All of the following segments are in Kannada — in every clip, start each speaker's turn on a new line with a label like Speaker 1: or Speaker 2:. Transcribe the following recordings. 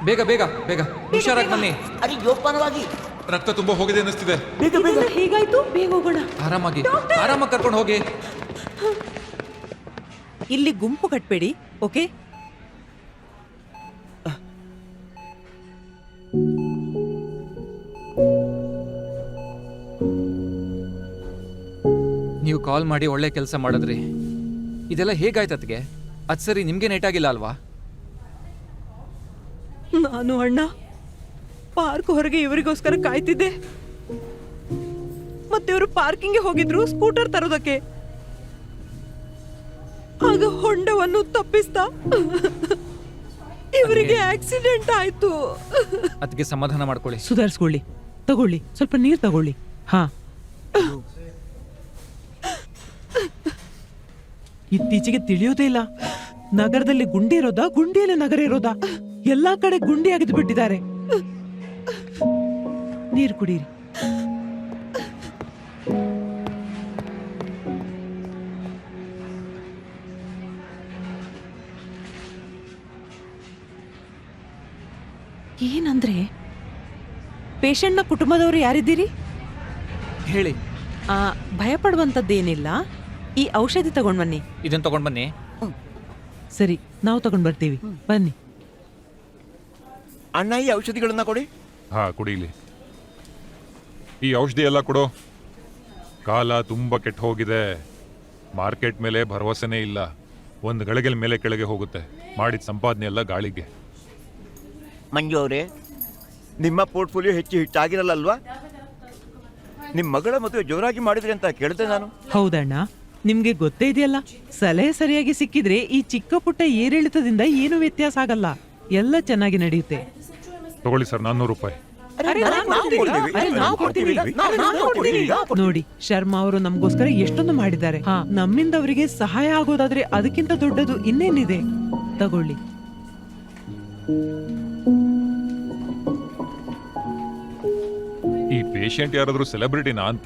Speaker 1: ಬೇಗ ಬೇಗ ಬೇಗ ಹುಷಾರಾಗಿ ಬನ್ನಿ.
Speaker 2: ಅರೆ ಜೋಪಾನವಾಗಿ.
Speaker 3: ರಕ್ತ ತುಂಬಾ ಹೋಗಿದೆ ಅನ್ನಿಸ್ತಿದೆ.
Speaker 2: ಬೇಗ ಬೇಗ.
Speaker 4: ಹೇಗಾಯ್ತು? ಬೇಗ ಹೋಗೋಣ.
Speaker 1: ಆರಾಮಾಗಿ ಆರಾಮಾಗಿ ಕರ್ಕೊಂಡು ಹೋಗಿ.
Speaker 4: ಇಲ್ಲಿ ಗುಂಪು ಕಟ್ಬೇಡಿ, ಓಕೆ?
Speaker 1: ನೀವು ಕಾಲ್ ಮಾಡಿ ಒಳ್ಳೆ ಕೆಲಸ ಮಾಡಿದ್ರಿ. ಇದೆಲ್ಲ ಹೇಗಾಯ್ತತ್ಗೆ? ಅದ್ ಸರಿ, ನಿಮ್ಗೆ ನೆಟ್ಟಾಗಿಲ್ಲ ಅಲ್ವಾ?
Speaker 4: ನಾನು ಅಣ್ಣ ಪಾರ್ಕ್ ಹೊರಗೆ ಇವರಿಗೋಸ್ಕರ ಕಾಯ್ತಿದ್ದೆ. ಮತ್ತೆ ಇವರು ಪಾರ್ಕಿಂಗ್ಗೆ ಹೋಗಿದ್ರು ಸ್ಕೂಟರ್ ತರೋದಕ್ಕೆ. ಆಗ ಹೊಂಡವನ್ನು ತಪ್ಪಿಸ್ತಾ ಇವರಿಗೆ ಆಕ್ಸಿಡೆಂಟ್ ಆಯ್ತು.
Speaker 1: ಅದಕ್ಕೆ ಸಮಾಧಾನ ಮಾಡ್ಕೊಳ್ಳಿ.
Speaker 4: ಸುಧಾರಿಸ್ಕೊಳ್ಳಿ. ತಗೊಳ್ಳಿ, ಸ್ವಲ್ಪ ನೀರು ತಗೊಳ್ಳಿ. ಹಾ, ಇತ್ತೀಚೆಗೆ ತಿಳಿಯೋದೇ ಇಲ್ಲ, ನಗರದಲ್ಲಿ ಗುಂಡಿ ಇರೋದಾ, ಗುಂಡಿಯಲ್ಲಿ ನಗರ ಇರೋದಾ? ಎಲ್ಲಾ ಕಡೆ ಗುಂಡಿ ಅಗೆದು ಬಿಟ್ಟಿದ್ದಾರೆ. ನೀರು ಕುಡೀರಿ. ಏನಂದ್ರೆ, ಪೇಷಂಟ್ನ ಕುಟುಂಬದವರು ಯಾರಿದ್ದೀರಿ?
Speaker 1: ಹೇಳಿ.
Speaker 4: ಭಯ ಪಡುವಂತದ್ದೇನಿಲ್ಲ. ಈ ಔಷಧಿ ತಗೊಂಡ್ ಬನ್ನಿ.
Speaker 1: ಇದನ್ನ ತಗೊಂಡ್ ಬನ್ನಿ.
Speaker 4: ಸರಿ, ನಾವು ತಗೊಂಡ್ ಬರ್ತೀವಿ. ಬನ್ನಿ.
Speaker 2: ಅಣ್ಣ ಈ ಔಷಧಿಗಳನ್ನ ಕೊಡಿ.
Speaker 3: ಹಾ, ಕುಡೀಲಿ. ಈ ಔಷಧಿ ಎಲ್ಲ ಕೊಡು. ಕಾಲ ತುಂಬಾ ಕೆಟ್ಟ ಹೋಗಿದೆ. ಮಾರ್ಕೆಟ್ ಮೇಲೆ ಭರವಸೆನೇ ಇಲ್ಲ. ಒಂದು ಗಳಿಗೆಲ್ ಮೇಲೆ ಕೆಳಗೆ ಹೋಗುತ್ತೆ. ಮಾಡಿದ ಸಂಪಾದನೆ ಎಲ್ಲ ಗಾಳಿಗೆ.
Speaker 2: ಮಂಜು ಅವರೇ, ನಿಮ್ಮ ಪೋರ್ಟ್ಫೋಲಿಯೋ ಹೆಚ್ಚು ಹಿಟ್ಟಾಗಿರಲ್ಲಲ್ವಾ? ನಿಮ್ಮ ಮಗಳ ಮದುವೆ ಜೋರಾಗಿ ಮಾಡಿದ್ರಿ ಅಂತ ಕೇಳಿದೆ ನಾನು.
Speaker 4: ಹೌದಣ್ಣ, ನಿಮ್ಗೆ ಗೊತ್ತೇ ಇದೆಯಲ್ಲ, ಸಲಹೆ ಸರಿಯಾಗಿ ಸಿಕ್ಕಿದ್ರೆ ಈ ಚಿಕ್ಕ ಪುಟ್ಟ ಏರಿಳಿತದಿಂದ ಏನು ವ್ಯತ್ಯಾಸ ಆಗಲ್ಲ. ಎಲ್ಲ ಚೆನ್ನಾಗಿ ನಡೆಯುತ್ತೆ.
Speaker 3: ತಗೊಳ್ಳಿ ಸರ್, 400 ರೂಪಾಯಿ.
Speaker 4: ನೋಡಿ, ಶರ್ಮಾ ಅವರು ನಮಗೋಸ್ಕರ ಎಷ್ಟೊಂದು ಮಾಡಿದ್ದಾರೆ. ಹಾ, ನಮ್ಮಿಂದ ಅವರಿಗೆ ಸಹಾಯ ಆಗೋದಾದ್ರೆ ಅದಕ್ಕಿಂತ ದೊಡ್ಡದು ಇನ್ನೇನಿದೆ. ತಗೊಳ್ಳಿ.
Speaker 3: ಈ ಪೇಷಂಟ್ ಯಾರಾದ್ರೂ ಸೆಲೆಬ್ರಿಟಿನಾ ಅಂತ?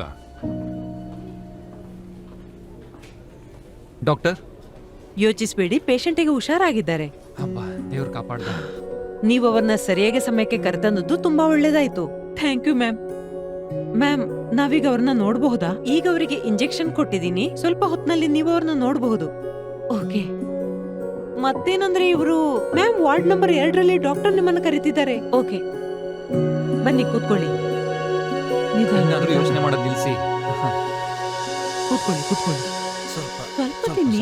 Speaker 1: ಡಾಕ್ಟರ್,
Speaker 4: ಯೋಚಿಸ್ಬೇಡಿ, ಪೇಷಂಟಿಗೆ ಹುಷಾರಾಗಿದ್ದಾರೆ.
Speaker 1: ಅಬ್ಬಾ, ದೇವ್ರು ಕಾಪಾಡ್ದ.
Speaker 4: ನೀವು ಅವರನ್ನ ಸರಿಯಾಗಿ ಸಮಯಕ್ಕೆ ಕರೆತಂದದ್ದು ತುಂಬಾ ಒಳ್ಳೇದಾಯ್ತು. Thank you ma'am. ಮ್ಯಾಮ್, ನಾವೀಗ ಅವ್ರನ್ನ ನೋಡಬಹುದಾ? ಈಗ ಅವರಿಗೆ ಇಂಜೆಕ್ಷನ್ ಕೊಟ್ಟಿದ್ದೀನಿ. ಸ್ವಲ್ಪ ಹೊತ್ತಿನಲ್ಲಿ ನೀವು ಅವ್ರನ್ನ ನೋಡಬಹುದು. ಓಕೆ. ಮತ್ತೇನಂದ್ರೆ ಇವರು ಮ್ಯಾಮ್, ವಾರ್ಡ್ ನಂಬರ್ 2ರಲ್ಲಿ ಡಾಕ್ಟರ್ ನಿಮ್ಮನ್ನ ಕರೀತಿದ್ದಾರೆ. ಓಕೆ, ಬನ್ನಿ ಕೂತ್ಕೊಳ್ಳಿ.
Speaker 1: ಏನಾದ್ರೂ ಯೋಚನೆ ಮಾಡೋದು ನಿಲ್ಸಿ.
Speaker 4: ಕೂತ್ಕೊಳ್ಳಿ ಕೂತ್ಕೊಳ್ಳಿ. ಸ್ವಲ್ಪ ತಿನ್ನಿ.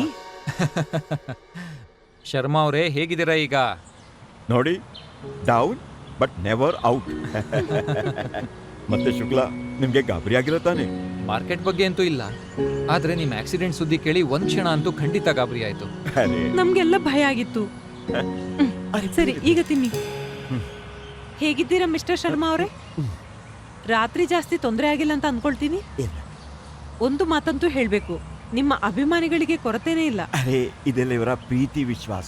Speaker 1: ಶರ್ಮಾ ಅವರೇ, ಹೇಗಿದ್ದೀರಾ ಈಗ?
Speaker 5: ನೋಡಿ, ಡೌನ್ ಬಟ್ ನೆವರ್ ಔಟ್. ಮತ್ತೆ ಶುಕ್ಲಾ, ನಿಮ್ಗೆ ಗಾಬರಿ ಆಗಿಲ್ಲ ತಾನೆ?
Speaker 1: ಮಾರ್ಕೆಟ್ ಬಗ್ಗೆ ಅಂತೂ ಇಲ್ಲ, ಆದ್ರೆ ನಿಮ್ ಆಕ್ಸಿಡೆಂಟ್ ಸುದ್ದಿ ಕೇಳಿ ಒಂದ್ ಕ್ಷಣ ಅಂತೂ ಖಂಡಿತ ಗಾಬರಿ ಆಯ್ತು.
Speaker 4: ನಮ್ಗೆಲ್ಲ ಭಯ ಆಗಿತ್ತು. ಸರಿ, ಈಗ ತಿನ್ನಿ. ಹೇಗಿದ್ದೀರಾ ಮಿಸ್ಟರ್ ಶರ್ಮಾ ಅವರೇ? ರಾತ್ರಿ ಜಾಸ್ತಿ ತೊಂದರೆ ಆಗಿಲ್ಲ ಅಂತ ಅನ್ಕೊಳ್ತೀನಿ. ಒಂದು ಮಾತಂತೂ ಹೇಳ್ಬೇಕು, ನಿಮ್ಮ ಅಭಿಮಾನಿಗಳಿಗೆ ಕೊರತೆನೇ ಇಲ್ಲ.
Speaker 5: ಅರೆ, ಇದೆಲ್ಲ ಇವರ ಪ್ರೀತಿ ವಿಶ್ವಾಸ.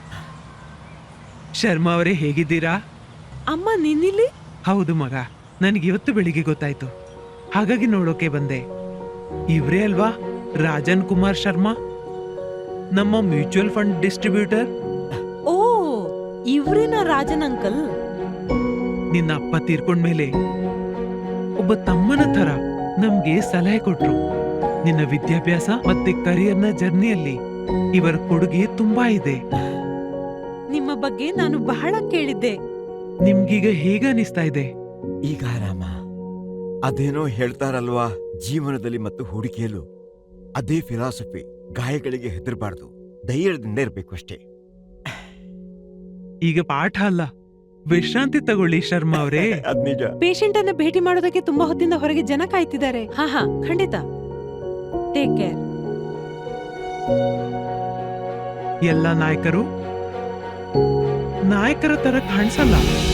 Speaker 6: ಶರ್ಮಾ ಅವರೇ, ಹೇಗಿದ್ದೀರಾ?
Speaker 4: ಅಮ್ಮ, ನಿನ್ನಿಲ್ಲಿ?
Speaker 6: ಹೌದು ಮಗ, ನನಗೆ ಇವತ್ತು ಬೆಳಿಗ್ಗೆ ಗೊತ್ತಾಯ್ತು, ಹಾಗಾಗಿ ನೋಡೋಕೆ ಬಂದೆ. ಇವ್ರೇ ಅಲ್ವಾ ರಾಜನ್ ಕುಮಾರ್ ಶರ್ಮಾ, ನಮ್ಮ ಮ್ಯೂಚುವಲ್ ಫಂಡ್ ಡಿಸ್ಟ್ರಿಬ್ಯೂಟರ್?
Speaker 4: ಓ, ಇವ್ರೇನಾ ರಾಜನ್ ಅಂಕಲ್?
Speaker 6: ನಿನ್ನ ಅಪ್ಪ ತೀರ್ಕೊಂಡ್ಮೇಲೆ ಒಬ್ಬ ತಮ್ಮನ ತರ ನಮ್ಗೆ ಸಲಹೆ ಕೊಟ್ರು. ನಿನ್ನ ವಿದ್ಯಾಭ್ಯಾಸ ಮತ್ತೆ ಕರಿಯರ್ನ ಜರ್ನಿಯಲ್ಲಿ ಇವರ ಕೊಡುಗೆ ತುಂಬಾ ಇದೆ.
Speaker 4: ನಿಮ್ಮ ಬಗ್ಗೆ ನಾನು ಬಹಳ ಕೇಳಿದ್ದೆ.
Speaker 6: ನಿಮ್ಗೀಗ ಹೇಗ ಅನಿಸ್ತಾ ಇದೆ?
Speaker 5: ಈಗ ಆರಾಮ. ಅದೇನೋ ಹೇಳ್ತಾರಲ್ವಾ, ಜೀವನದಲ್ಲಿ ಮತ್ತು ಹೂಡಿಕೆಯಲ್ಲೂ ಅದೇ ಫಿಲಾಸಫಿ. ಗಾಯಗಳಿಗೆ ಹೆದರಬಾರ್ದು, ಧೈರ್ಯದಿಂದ ಇರಬೇಕು ಅಷ್ಟೇ.
Speaker 6: ಈಗ ಪಾಠ ಅಲ್ಲ, ವಿಶ್ರಾಂತಿ ತಗೊಳ್ಳಿ ಶರ್ಮಾ ಅವರೇ.
Speaker 5: ಅದ್ ನಿಜ.
Speaker 4: ಪೇಷಂಟ್ ಅನ್ನ ಭೇಟಿ ಮಾಡೋದಕ್ಕೆ ತುಂಬಾ ಹೊತ್ತಿಂದ ಹೊರಗೆ ಜನ ಕಾಯ್ತಿದ್ದಾರೆ. ಹಾ, ಖಂಡಿತ. Take care.
Speaker 6: ಎಲ್ಲ ನಾಯಕರ ತರ ಕಾಣಿಸಲ್ಲ.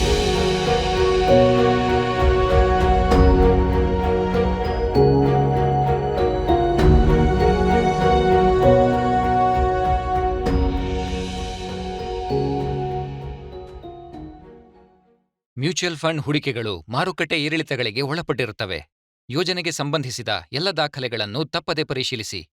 Speaker 1: ಮ್ಯೂಚುವಲ್ ಫಂಡ್ ಹೂಡಿಕೆಗಳು ಮಾರುಕಟ್ಟೆ ಏರಿಳಿತಗಳಿಗೆ ಒಳಪಟ್ಟಿರುತ್ತವೆ. ಯೋಜನೆಗೆ ಸಂಬಂಧಿಸಿದ ಎಲ್ಲ ದಾಖಲೆಗಳನ್ನು ತಪ್ಪದೆ ಪರಿಶೀಲಿಸಿ.